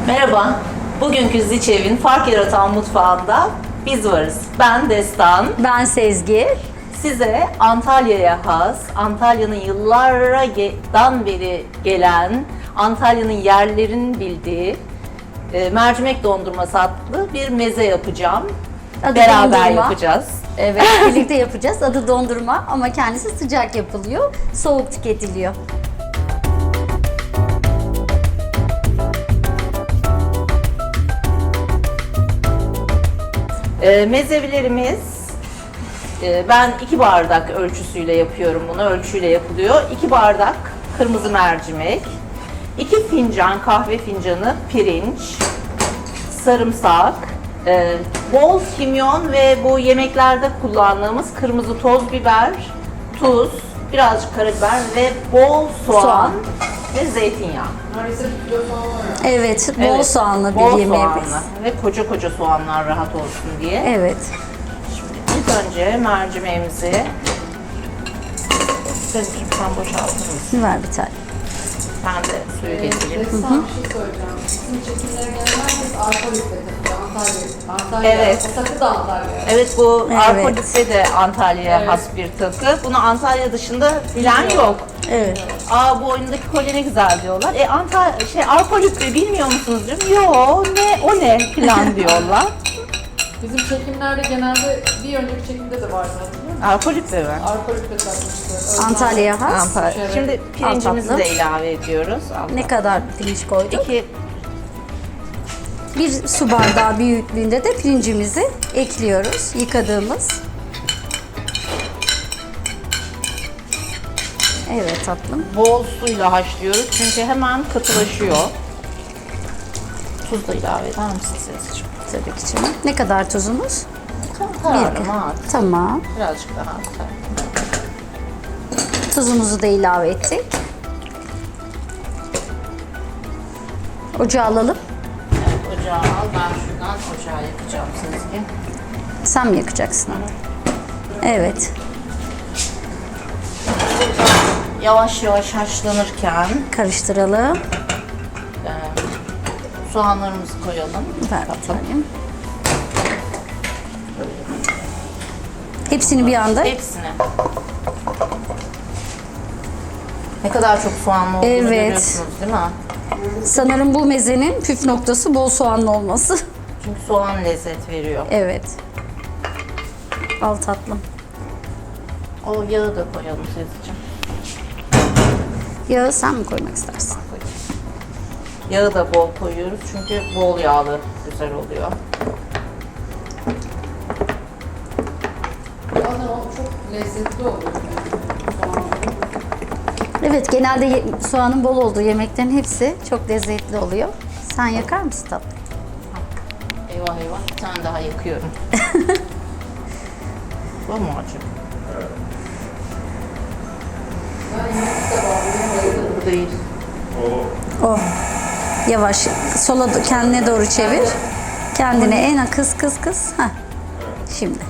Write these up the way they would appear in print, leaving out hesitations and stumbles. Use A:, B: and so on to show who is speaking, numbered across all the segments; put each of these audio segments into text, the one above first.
A: Merhaba, bugünkü Ziçev'in fark yaratan mutfağında biz varız. Ben Destan.
B: Ben Sezgi.
A: Size Antalya'ya has, Antalya'nın yıllardan beri gelen, Antalya'nın yerlerin bildiği mercimek dondurması adlı bir meze yapacağım.
B: Adı
A: Beraber
B: dondurma.
A: yapacağız.
B: Evet, birlikte yapacağız. Adı dondurma ama kendisi sıcak yapılıyor, soğuk tüketiliyor.
A: Mezevilerimiz, ben 2 bardak ölçüsüyle yapıyorum bunu, ölçüyle yapılıyor. 2 bardak kırmızı mercimek, 2 fincan kahve fincanı pirinç, sarımsak, bol kimyon ve bu yemeklerde kullandığımız kırmızı toz biber, tuz, birazcık karabiber ve bol soğan ve zeytinyağı.
B: Evet, bol
A: Evet,
B: soğanlı
A: bol
B: bir yemeğimiz.
A: soğanlı ve koca koca soğanlar rahat olsun diye.
B: Evet.
A: Şimdi ilk önce mercimeğimizi Sezgi'cim sen boşaltır mısın?
B: Ver bir tane.
A: Ben de suyu getireyim.
C: Destan bir şey söyleyeceğim. Bizim çekimlere gelen herkes arpa lütfeti. Antalya.
A: Evet.
C: O takı da Antalya.
A: Evet, bu
B: Evet.
A: arpa lütfe de Antalya'ya
C: Evet.
A: has bir takı. Bunu Antalya dışında bilen yok.
B: Evet.
A: Aa, bu oyundaki kolye ne güzel diyorlar. Arpa lütfe bilmiyor musunuz diyorum. Yo, ne o ne falan diyorlar.
C: Bizim çekimlerde genelde bir önceki çekimde de vardı hatırlıyor musun?
A: Arpa lütfe mi?
C: Arpa lütfeti takmıştı.
B: Antalya'ya has.
A: Antalya.
C: Evet.
A: Şimdi pirincimizi
B: Al
A: de
B: tatlım.
A: ilave ediyoruz.
B: Ne kadar pirinç koyduk?
A: 2
B: Bir su bardağı büyüklüğünde de pirincimizi ekliyoruz. Yıkadığımız. Evet tatlım.
A: bol suyla haşlıyoruz çünkü hemen katılaşıyor. Tuz da ilave eder misiniz Sezgi'cim?
B: Tabii ki canım. Ne kadar tuzumuz?
A: Kararıma at.
B: Tamam.
A: Birazcık daha at.
B: Tuzumuzu da ilave ettik. Ocağı alalım.
A: Evet, ocağı al. Ben şuradan ocağı yakacağım Sezgi.
B: Sen mi yakacaksın? Evet.
A: Yavaş yavaş haşlanırken
B: Karıştıralım.
A: soğanlarımızı koyalım.
B: Ver bir tane. Hepsini bir anda.
A: Hepsini. Ne kadar çok soğanlı olduğunu
B: Evet.
A: görüyorsunuz değil mi?
B: Sanırım bu mezenin püf noktası bol soğanlı olması.
A: Çünkü soğan lezzet veriyor.
B: Evet. Al tatlım.
A: O yağı da koyalım Sezgi'cim.
B: Yağı sen mi koymak istersin?
A: Yağı da bol koyuyoruz çünkü bol yağlı güzel oluyor.
C: Zaten o çok lezzetli oluyor.
B: Evet, genelde soğanın bol olduğu yemeklerin hepsi çok lezzetli oluyor. Sen yakar mısın tatlım?
A: Eyvah eyvah, bir tane daha yakıyorum. Bu mu acı? Bu değil.
B: Oh. Yavaş. Sola kendine doğru çevir. Kendine en kıs. Heh. Şimdi.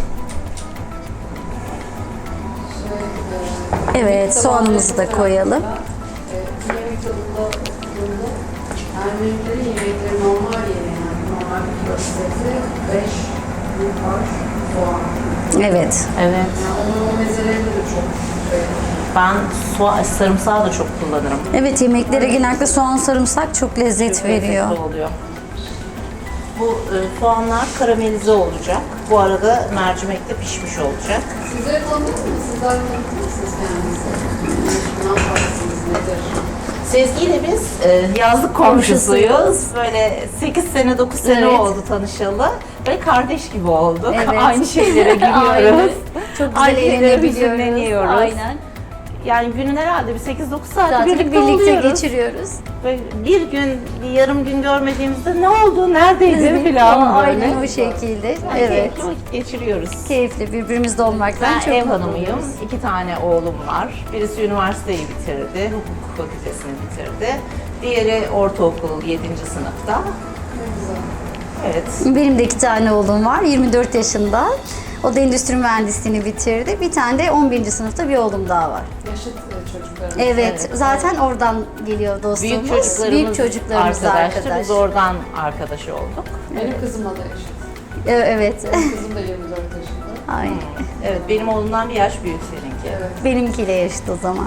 B: Evet, soğanımızı da koyalım.
C: Yemek tadında tuttuğunda Ermenilerin yemekleri normal yemeği yani normal bir kilo sebze 5 büyük baş soğan.
B: Evet.
A: Evet.
C: Yani onun o mezelerinde de çok
A: Ben sarımsağı da çok kullanırım.
B: Evet, yemeklere genellikle soğan sarımsak çok lezzet
A: Çok
B: veriyor.
A: lezzetli oluyor. Bu soğanlar karamelize olacak. Bu arada mercimek de pişmiş olacak.
C: Sizleri tanıdık mı? Sizler tanıdık mısınız kendinizi? Ne yaparsınız, nedir?
A: Sezgi ile biz yazlık komşusuyuz. Böyle 8 sene 9 sene
B: Evet.
A: oldu tanışalı. Böyle kardeş gibi olduk.
B: Evet.
A: Aynı şeylere
B: Aynen.
A: gülüyoruz.
B: Çok güzel
A: Aynı şeyleri
B: eğlenebiliyoruz.
A: hüzünleniyoruz.
B: Aynen.
A: Yani günün herhalde bir 8-9 saati
B: Zaten
A: birlikte
B: birlikte
A: oluyoruz.
B: geçiriyoruz.
A: Böyle bir gün, bir yarım gün görmediğimizde ne oldu, neredeydin falan böyle.
B: Aynen o şekilde.
A: Yani
B: Evet.
A: keyifli vakit geçiriyoruz.
B: Keyifli birbirimizde olmaktan
A: Ben
B: çok
A: ev
B: mutlu
A: hanımıyım.
B: oluyoruz.
A: 2 tane oğlum var. Birisi üniversiteyi bitirdi, hukuk fakültesini bitirdi. Diğeri ortaokul 7. sınıfta. Evet.
B: Benim de 2 tane oğlum var. 24 yaşında. O da endüstri mühendisliğini bitirdi. Bir tane de 11. sınıfta bir oğlum daha var.
C: Yaşıt çocuklarımız.
B: Evet, zaten oradan geliyor dostluğumuz. Büyük çocuklarımız
A: arkadaştı.
B: arkadaş.
A: Biz oradan arkadaş olduk.
C: Benim kızımla da yaşıt.
B: Evet.
C: Benim kızım da 24 yaşında.
B: Ay,
A: Evet, benim oğlumdan bir yaş büyük seninki.
C: Evet.
B: benimkiyle yaşıt o zaman.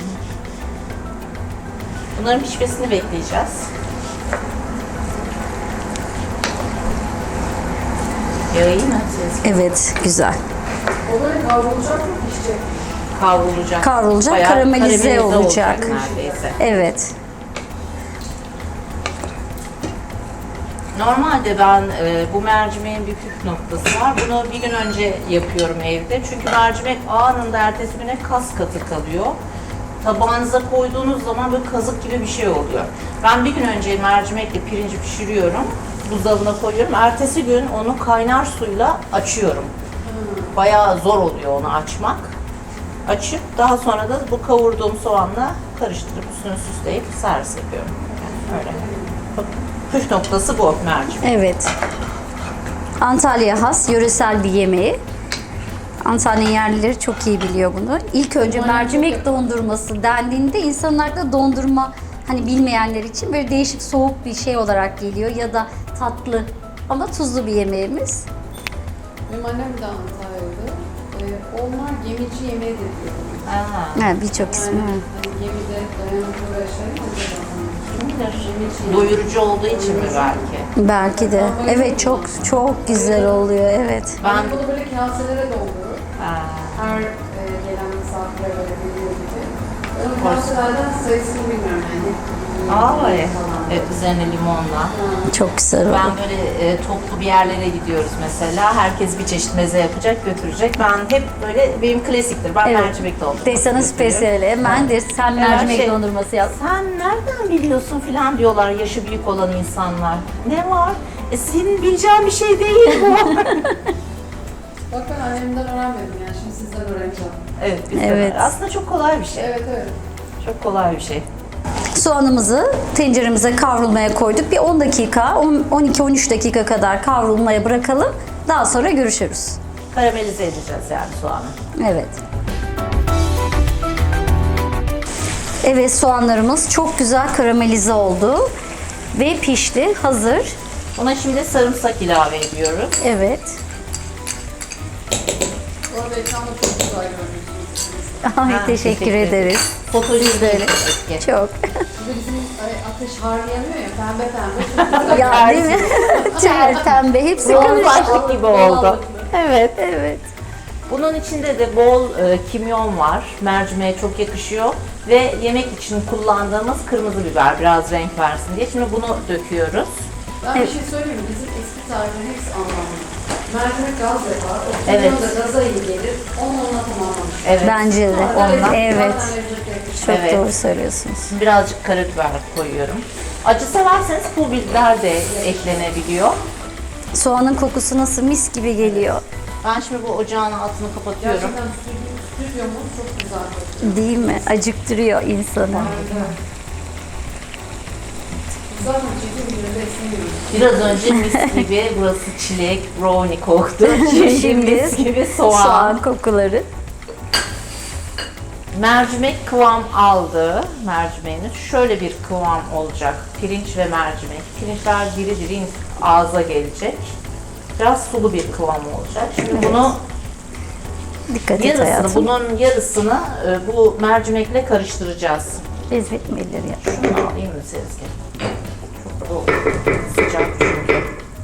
A: Bunların pişmesini bekleyeceğiz. Yağı iyi mi?
B: Evet, güzel.
C: O böyle kavrulacak mı pişecek?
A: Kavrulacak.
B: Kavrulacak,
A: Bayağı
B: karamelize olacak.
A: neredeyse.
B: Evet.
A: Normalde ben bu mercimeğin bir püf noktası var. Bunu bir gün önce yapıyorum evde. Çünkü mercimek anında ertesi güne kas katı kalıyor. Tabağınıza koyduğunuz zaman böyle kazık gibi bir şey oluyor. Ben bir gün önce mercimekle pirinci pişiriyorum. Buzdolabına koyuyorum. Ertesi gün onu kaynar suyla açıyorum. Bayağı zor oluyor onu açmak. Açıp daha sonra da bu kavurduğum soğanla karıştırıp üstünü süsleyip servis yapıyorum. Yani öyle. Bak, püf noktası bu mercimek.
B: Evet. Antalya has yöresel bir yemeği. Antalya yerlileri çok iyi biliyor bunu. İlk önce mercimek dondurması dendiğinde insanın aklına dondurma hani bilmeyenler için böyle değişik soğuk bir şey olarak geliyor ya da tatlı ama tuzlu bir yemeğimiz.
C: Benim annem de Antalya'da. Onlar gemici yemeği de diyor.
A: Aa,
B: Birçok ismi var.
C: Hani gemide dayanıklı ve şey
A: kim bilir? Doyurucu olduğu için mi belki?
B: Belki de. Evet, çok çok güzel oluyor. Evet.
C: Ben bunu böyle kaselere doldururum.
A: Aa,
C: Her gelen misafire böyle veriyor gibi. Ben o kaselerden sayısını bilmiyorum yani.
A: evet. Evet, üzerine limonla.
B: Çok güzel oluyor.
A: Ben böyle toplu bir yerlere gidiyoruz mesela. Herkes bir çeşit meze yapacak, götürecek. Ben hep böyle, benim klasiktir. Ben
B: Evet.
A: mercimek dondurması
B: Destanın
A: yapıyorum.
B: spesiyeli. Hemen de sen mercimek
A: şey-
B: dondurması yap.
A: Sen nereden biliyorsun filan diyorlar yaşı büyük olan insanlar. Ne var? Senin bileceğin bir şey değil bu.
C: Bak ben annemden öğrenmedim yani şimdi sizden öğreneceğim.
A: Evet, biz
B: Evet.
A: de. Aslında çok kolay bir şey.
C: Evet evet.
A: Çok kolay bir şey.
B: Soğanımızı tenceremize kavrulmaya koyduk. Bir 10 dakika, 12-13 dakika kadar kavrulmaya bırakalım. Daha sonra görüşürüz.
A: Karamelize edeceğiz yani soğanı.
B: Evet. Evet, soğanlarımız çok güzel karamelize oldu. Ve pişti, hazır.
A: Ona şimdi sarımsak ilave ediyoruz.
B: Evet.
C: Bu arada ekranda çok güzel görünüyorsunuz.
B: Ay,
A: Ha,
B: teşekkür
A: teşekkür
B: ederiz.
A: Fotojenik
B: de öyle.
A: etki.
B: Çok.
C: Bir de bizim ateş harlayamıyor ya pembe pembe çok güzel.
B: Ya değil mi? Ter, pembe, hepsi
A: Bol
B: karıştı.
A: başlık gibi oldu.
B: Evet, evet.
A: Bunun içinde de bol kimyon var. Mercimeğe çok yakışıyor. Ve yemek için kullandığımız kırmızı biber biraz renk versin diye. Şimdi bunu döküyoruz.
C: Ben bir şey söyleyeyim mi? Bizim eski tariflerin hepsi anlamlı. Mercimek gaz yapar, o
A: Evet.
C: kimyon da gaza iyi gelir. Onunla tamamlamış.
A: Evet.
B: Bence de.
A: Ondan.
B: Evet.
C: Zaten lezzet yakışır.
B: Çok
A: Evet.
B: doğru söylüyorsunuz.
A: Şimdi birazcık karabiber koyuyorum. Acı severseniz pul biber de eklenebiliyor.
B: Soğanın kokusu nasıl mis gibi geliyor.
A: Ben şimdi bu ocağın altını kapatıyorum.
C: Gerçekten stüdyomuz çok güzel.
B: Değil mi? Acıktırıyor insanı.
C: Evet. Zaten çekim gibi besleniyoruz.
A: Biraz önce mis gibi burası çilek, brownie koktu. Şimdi mis gibi
B: soğan kokuları.
A: Mercimek kıvam aldı. Mercimeğiniz şöyle bir kıvam olacak. Pirinç ve mercimek. Pirinçler diri diri ağza gelecek. Biraz sulu bir kıvam olacak. Şimdi bunu
B: Dikkat et
A: yarısını,
B: hayatım.
A: bunun yarısını bu mercimekle karıştıracağız.
B: Bezbetmelidir ya.
A: Şunu alayım mı Sezgin? Çok bu sıcak çünkü.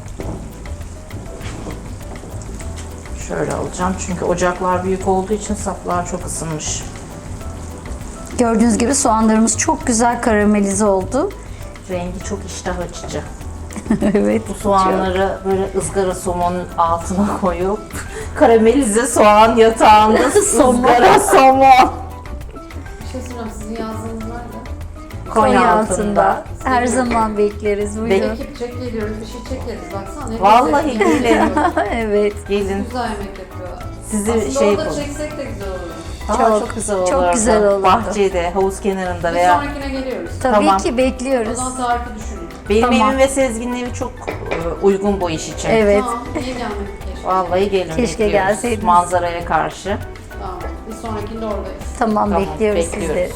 A: Şöyle alacağım çünkü ocaklar büyük olduğu için saplar çok ısınmış.
B: Gördüğünüz gibi soğanlarımız çok güzel karamelize oldu.
A: Rengi çok iştah açıcı.
B: Evet.
A: Bu soğanları böyle ızgara somonun altına koyup karamelize soğan yatağında ızgara somon.
C: Bir şey soracağım, sizin yazdığınız nerede?
A: Konya altında.
B: Her zaman bekleriz. Buyurun.
C: Ekip çek geliyoruz, bir şey çekeriz. Baksana ne
A: Vallahi
C: güzel yemek
A: gelin.
C: yapıyorlar.
B: Evet.
A: Gelin.
C: Güzel yemek yapıyorlar.
A: Sizi
C: Aslında
A: şey
C: orada
A: yapalım.
C: çeksek de güzel olur.
A: Çok güzel olur.
B: çok güzel olurdu.
A: Bahçede, havuz kenarında
C: Bir
A: veya
C: sonrakine geliyoruz.
B: Tabii
A: Tamam.
B: ki
C: O
B: bekliyoruz.
C: zaman tarifi düşünün.
A: Benim
B: Tamam.
A: evim ve Sezgin'in evi çok uygun bu iş için.
B: Evet.
C: Tamam, niye gelmedik keşke?
A: Vallahi gelin,
B: Keşke
A: bekliyoruz.
B: gelseydiniz.
A: Manzaraya karşı.
C: Tamam, bir sonrakinde oradayız.
B: Tamam,
A: Tamam,
B: bekliyoruz sizleri.
A: bekliyoruz.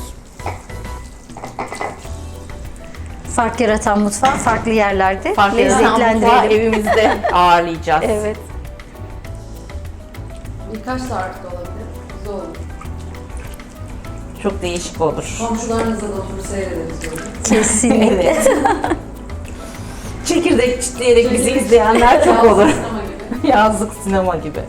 B: Fark yaratan mutfağı farklı yerlerde
A: Farklı mutfağı
B: lezzetlendirelim.
A: evimizde ağırlayacağız.
B: Evet.
C: Birkaç saat de olabilir. Güzel olur.
A: Çok değişik olur.
C: Komşularınızla da oturup seyrederiz böyle.
B: Kesinlikle.
A: Evet. Çekirdek çitleyerek bizi izleyenler çok
C: Yalnız
A: olur.
C: sinema gibi.
A: Yazlık sinema gibi.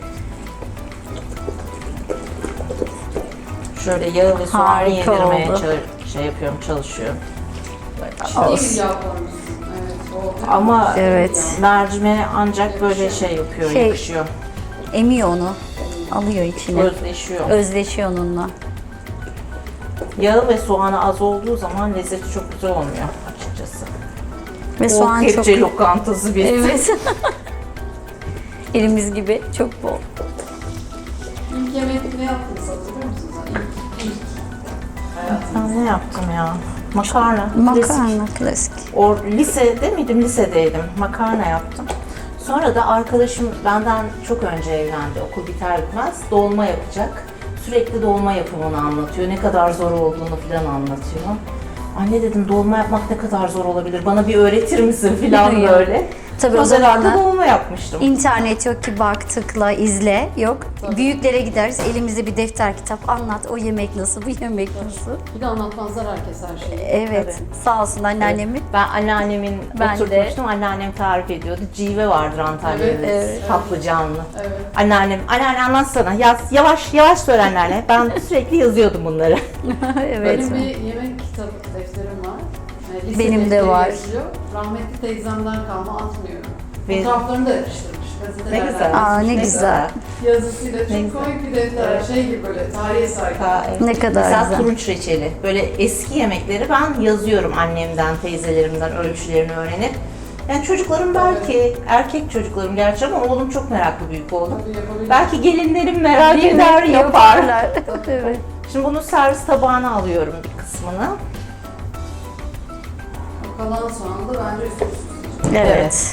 A: Şöyle yağı ve soğanı
B: Harika
A: yedirmeye
B: oldu.
A: şey yapıyorum, çalışıyorum.
C: İyi bir yağ koymuşsun. Evet, oldu.
A: Ama
B: Evet.
A: mercimeğe ancak böyle şey yapıyor,
B: Şey-
A: yakışıyor.
B: Emiyor onu. Alıyor içine.
A: Özleşiyor.
B: Özleşiyor onunla.
A: Yağı ve soğanı az olduğu zaman lezzeti çok güzel olmuyor açıkçası.
B: Ve soğan
A: o
B: çok...
A: kepçe lokantası bir.
B: Evet. Elimiz gibi çok bol.
C: İlk yemek ne yaptınız hatırlıyor musunuz? İlk hayatınızda.
A: Ben ne yaptım ya? Makarna. klasik.
B: Makarna klasik.
A: Lisede miydim? Lisedeydim. Makarna yaptım. Sonra da arkadaşım benden çok önce evlendi. Okul biter bitmez dolma yapacak. Sürekli dolma yapımını anlatıyor. Ne kadar zor olduğunu falan anlatıyor. Anne dedim, dolma yapmak ne kadar zor olabilir? Bana bir öğretir misin falan
B: Ya.
A: böyle.
B: Tabii o
A: Sonra ben de
B: zamanlar
A: dolma yapmıştım.
B: İnternet yok ki bak tıkla izle yok.
C: Tabii.
B: Büyüklere gideriz elimizde bir defter kitap anlat o yemek nasıl bu yemek nasıl.
C: Bir de anlatmazlar herkes her şeyi.
B: Evet
A: Tabii.
B: sağ olsun anneannemin.
A: Ben anneannemin
B: Ben de.
A: oturtmuştum. Anneannem tarif ediyordu. Cive vardır Antalya'da.
C: Evet, evet.
A: Patlıcanlı.
C: Evet.
A: Anneanne anlatsana. Yaz, yavaş yavaş söyle anneanne. Ben sürekli yazıyordum bunları.
B: Evet.
C: Benim bir yemek kitabı defterim var. Lise
B: Benim de
C: defteri
B: var.
C: yazıyor. Rahmetli teyzemden kalma atmıyorum.
A: Benim-
C: Fotoğraflarını da yapıştırmış.
A: Ne
C: Gazetelerden
A: güzel.
B: Aa, ne güzel.
C: Yazısıyla çok
A: güzel.
C: komik bir defter. Şey gibi böyle tarihe sahip.
B: Ne kadar
A: Mesela
B: güzel.
A: turunç reçeli. Böyle eski yemekleri ben yazıyorum annemden, teyzelerimden ölçülerini öğrenip. Yani çocuklarım belki, erkek çocuklarım gerçi ama oğlum çok meraklı, büyük oğlum.
C: Tabii yapabilir.
A: Belki gelinlerim merak eder, yapar.
B: Evet.
A: Şimdi bunu servis tabağına alıyorum bir kısmını.
C: O kalan soğanı da bence üst üste.
B: Evet.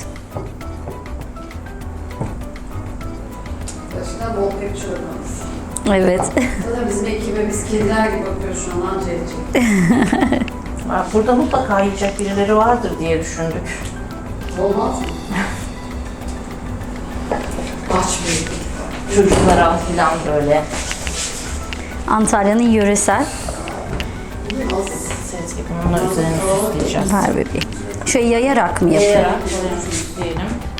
C: Başına bol kepçe olmaz.
B: Evet.
C: Zaten bizim ekibe biz kediler gibi bakıyoruz şu an anca edecek.
A: Burada mutlaka yiyecek birileri vardır diye düşündük.
C: Olmaz mı? Aç büyük.
A: Çocuklara falan böyle.
B: Antalya'nın yöresel
A: Sezgi bununla üzerine süsleyeceğiz.
B: her bebeği. Şöyle yayarak mı yapıyor?
A: Yayarak üzerine süsleyelim.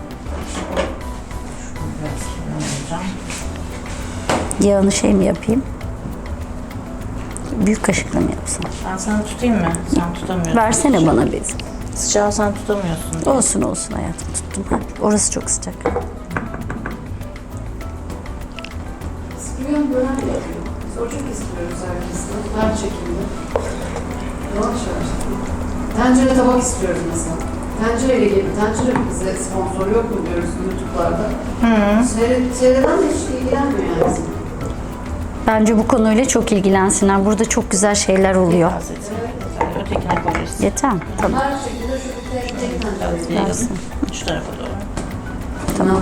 A: Şunu biraz kullanacağım.
B: Yağını şey mi yapayım? Büyük kaşıkla mı yapsam?
A: Ben sana tutayım mı? Sen tutamıyorsun.
B: Versene bana bir.
A: Sıcağı sen tutamıyorsun.
B: Olsun olsun hayatım tuttum. Ha, orası çok sıcak.
C: İspiyon bölen yapıyor. Biz o çok istiyoruz herkesle. Her çekimde. Yavaş yavaş. Tencere tabak istiyoruz mesela. Tencereyle gelin. Tencere bize sponsor yok mu diyoruz YouTube'larda. Seyreden de hiç ilgilenmiyor yani.
B: Bence bu konuyla çok ilgilensinler. Burada çok güzel şeyler oluyor.
A: Biraz yeter. Ötekine koyarız.
B: Yeter mi? Tamam.
C: Her şekilde şu bir tek tencere.
A: Yayalım. Şu tarafa doğru.
B: Tamam.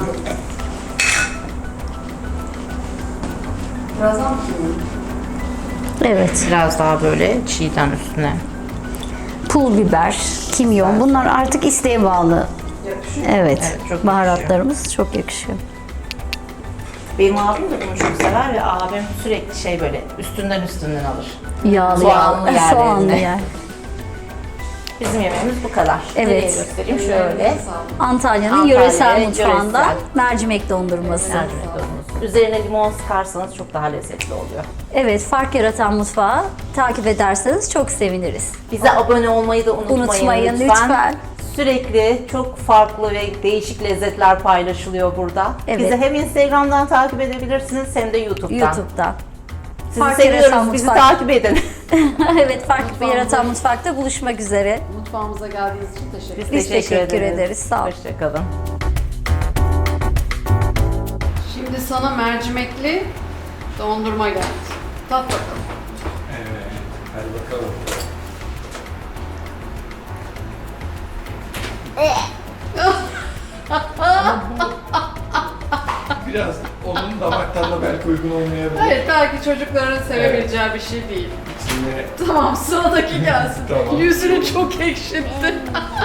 C: Birazdan mı kimyon?
B: Evet.
A: Biraz daha böyle çiğden üstüne.
B: Pul biber, kimyon bunlar artık isteğe bağlı.
C: Yakışıyor.
B: Evet.
A: Evet, çok
B: Baharatlarımız çok yakışıyor.
A: Benim abim de bunu çok sever ve abim sürekli şey böyle üstünden alır.
B: Yağlı
A: Soğanlı
B: yağlı.
A: yerlerinde.
B: Soğanlı yer.
A: Bizim yemeğimiz bu kadar.
B: Evet.
A: Nereye göstereyim şöyle.
C: Sağ olun.
B: Antalya'nın
A: Antalya
B: yöresel mutfağından
A: yöresel.
B: mercimek dondurması.
A: Mercimek dolması. Üzerine limon sıkarsanız çok daha lezzetli oluyor.
B: Evet, fark yaratan mutfağı takip ederseniz çok seviniriz.
A: Bize abone olmayı da unutmayın,
B: lütfen.
A: Sürekli çok farklı ve değişik lezzetler paylaşılıyor burada.
B: Evet.
A: Bizi hem Instagram'dan takip edebilirsiniz hem de YouTube'dan.
B: YouTube'da.
A: Sizi
B: Fark yaratan
A: seviyoruz. Bizi
B: mutfak.
A: takip edin.
B: Evet, fark yaratan mutfakta buluşmak üzere.
C: Mutfağımıza geldiğiniz için teşekkür ederim.
B: Biz teşekkür ederiz. Sağ ol.
A: Hoşçakalın.
C: Şimdi sana mercimekli dondurma geldi. Tat bakalım.
D: Evet, hadi bakalım. Biraz onun damak tadına belki uygun olmayabilir.
C: Hayır, belki çocukların sevebileceği bir şey değil.
D: İçine
C: Tamam, sıradaki gelsin.
D: Tamam.
C: Yüzünü çok ekşitti.